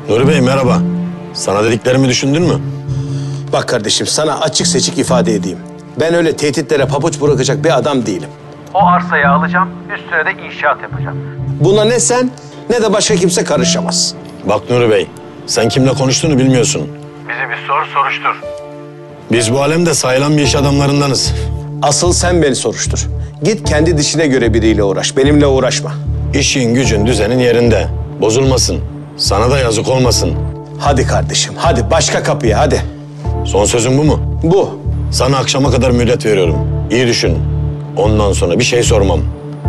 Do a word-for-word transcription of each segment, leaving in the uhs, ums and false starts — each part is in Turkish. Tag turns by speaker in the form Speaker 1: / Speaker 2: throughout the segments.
Speaker 1: Nuri Bey merhaba. Sana dediklerimi düşündün mü?
Speaker 2: Bak kardeşim, sana açık seçik ifade edeyim. Ben öyle tehditlere pabuç bırakacak bir adam değilim.
Speaker 3: O arsayı alacağım, üstüne de inşaat yapacağım.
Speaker 2: Buna ne sen ne de başka kimse karışamaz.
Speaker 1: Bak Nuri Bey, sen kimle konuştuğunu bilmiyorsun.
Speaker 3: Bizi bir sor, soruştur.
Speaker 1: Biz bu alemde sayılan bir iş adamlarındanız.
Speaker 2: Asıl sen beni soruştur. Git kendi dişine göre biriyle uğraş, benimle uğraşma.
Speaker 1: İşin gücün düzenin yerinde. Bozulmasın. Sana da yazık olmasın.
Speaker 2: Hadi kardeşim, hadi başka kapıya hadi.
Speaker 1: Son sözün bu mu?
Speaker 2: Bu.
Speaker 1: Sana akşama kadar müddet veriyorum. İyi düşün. Ondan sonra bir şey sormam.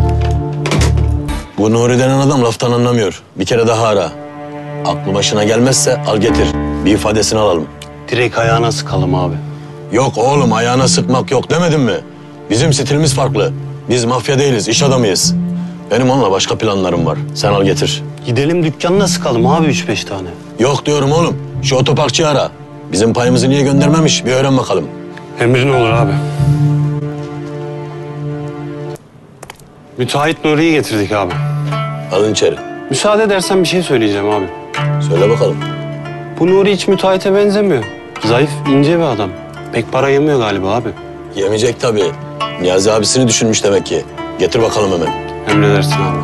Speaker 1: Bu Nuri denen adam laftan anlamıyor. Bir kere daha ara. Aklı başına gelmezse al getir. Bir ifadesini alalım.
Speaker 4: Direkt ayağına sıkalım abi.
Speaker 1: Yok oğlum, ayağına sıkmak yok demedim mi? Bizim stilimiz farklı. Biz mafya değiliz, iş adamıyız. Benim onunla başka planlarım var. Sen al getir.
Speaker 4: Gidelim dükkanına sıkalım abi üç beş tane.
Speaker 1: Yok diyorum oğlum. Şu otoparkçıyı ara. Bizim payımızı niye göndermemiş bir öğren bakalım.
Speaker 4: Emrin olur abi. Müteahhit Nuri'yi getirdik abi.
Speaker 1: Alın içeri.
Speaker 4: Müsaade edersen bir şey söyleyeceğim abi.
Speaker 1: Söyle bakalım.
Speaker 4: Bu Nuri hiç müteahhite benzemiyor. Zayıf, ince bir adam. Pek para yemiyor galiba abi.
Speaker 1: Yemeyecek tabii. Niyazi abisini düşünmüş demek ki. Getir bakalım hemen.
Speaker 4: Emredersin abi.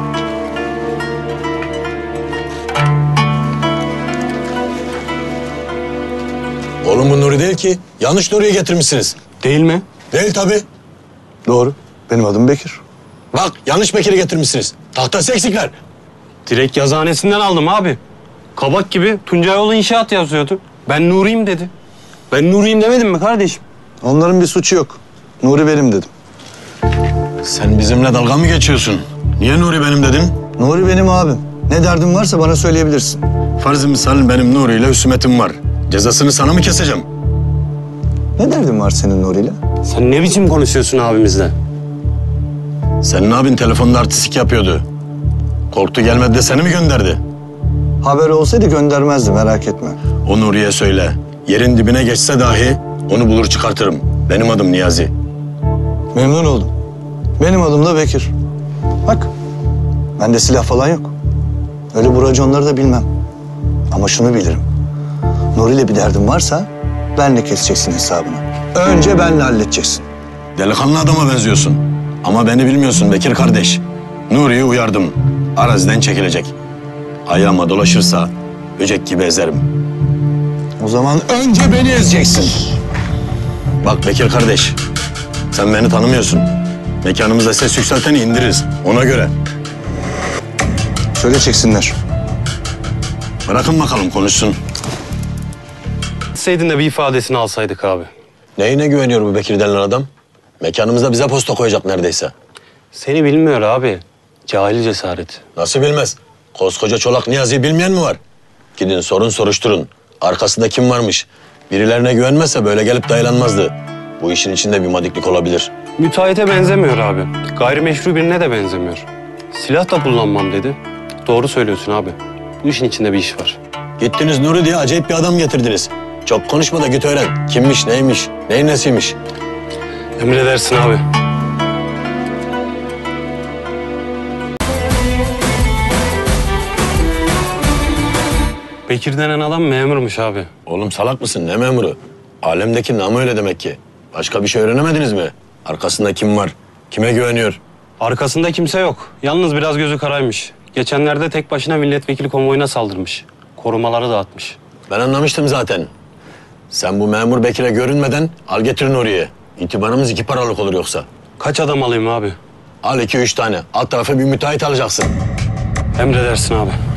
Speaker 1: Oğlum bu Nuri değil ki. Yanlış Nuri'yi getirmişsiniz.
Speaker 4: Değil mi?
Speaker 1: Değil tabii.
Speaker 5: Doğru. Benim adım Bekir.
Speaker 1: Bak yanlış Bekir'i getirmişsiniz. Tahtası eksikler.
Speaker 4: Direkt yazıhanesinden aldım abi. Kabak gibi Tuncayoğlu İnşaat yazıyordu. Ben Nuri'yim dedi. Ben Nuri'yim demedim mi kardeşim?
Speaker 5: Onların bir suçu yok. Nuri benim dedim.
Speaker 1: Sen bizimle dalga mı geçiyorsun? Niye Nuri benim dedin?
Speaker 5: Nuri benim abim. Ne derdin varsa bana söyleyebilirsin.
Speaker 1: Farz-ı misal benim Nuri ile husumetim var. Cezasını sana mı keseceğim?
Speaker 5: Ne derdin var senin Nuri'yle?
Speaker 4: Sen ne biçim konuşuyorsun abimizle?
Speaker 1: Senin abin telefonda artistik yapıyordu. Korktu gelmedi de seni mi gönderdi?
Speaker 5: Haber olsaydı göndermezdi, merak etme.
Speaker 1: O Nuri'ye söyle. Yerin dibine geçse dahi onu bulur çıkartırım. Benim adım Niyazi.
Speaker 5: Memnun oldum. Benim adım da Bekir. Bak, bende silah falan yok. Öyle bu raconları da bilmem. Ama şunu bilirim. Nuri'yle bir derdin varsa benle keseceksin hesabını. Önce benle halledeceksin.
Speaker 1: Delikanlı adama benziyorsun. Ama beni bilmiyorsun Bekir kardeş. Nuri'yi uyardım. Araziden çekilecek. Ayağıma dolaşırsa böcek gibi ezerim.
Speaker 5: O zaman önce beni ezeceksin.
Speaker 1: Bak Bekir kardeş, sen beni tanımıyorsun. Mekanımızda ses yükselteni indiririz. Ona göre.
Speaker 5: Söyle çeksinler.
Speaker 1: Bırakın bakalım konuşsun.
Speaker 4: Gitseydin de bir ifadesini alsaydık abi.
Speaker 1: Neyine güveniyor bu Bekir denilen adam? Mekanımızda bize posta koyacak neredeyse.
Speaker 4: Seni bilmiyor abi. Cahil cesaret.
Speaker 1: Nasıl bilmez? Koskoca Çolak Niyazi'yi bilmeyen mi var? Gidin sorun soruşturun. Arkasında kim varmış? Birilerine güvenmezse böyle gelip dayanılmazdı. Bu işin içinde bir madiklik olabilir.
Speaker 4: Müteahhite benzemiyor abi. Gayrimeşru birine de benzemiyor. Silah da kullanmam dedi. Doğru söylüyorsun abi. Bu işin içinde bir iş var.
Speaker 1: Gittiniz Nuri diye acayip bir adam getirdiniz. Çok konuşma da git öğren. Kimmiş, neymiş, neyin nesiymiş?
Speaker 4: Emredersin abi. Bekir denen adam memurmuş abi.
Speaker 1: Oğlum salak mısın? Ne memuru? Alemdeki namı öyle demek ki. Başka bir şey öğrenemediniz mi? Arkasında kim var? Kime güveniyor?
Speaker 4: Arkasında kimse yok. Yalnız biraz gözü karaymış. Geçenlerde tek başına milletvekili konvoyuna saldırmış. Korumaları dağıtmış.
Speaker 1: Ben anlamıştım zaten. Sen bu memur Bekir'e görünmeden al getirin oraya. İtibarımız iki paralık olur yoksa.
Speaker 4: Kaç adam alayım abi?
Speaker 1: Al iki üç tane. Alt tarafa bir müteahhit alacaksın.
Speaker 4: Emredersin abi.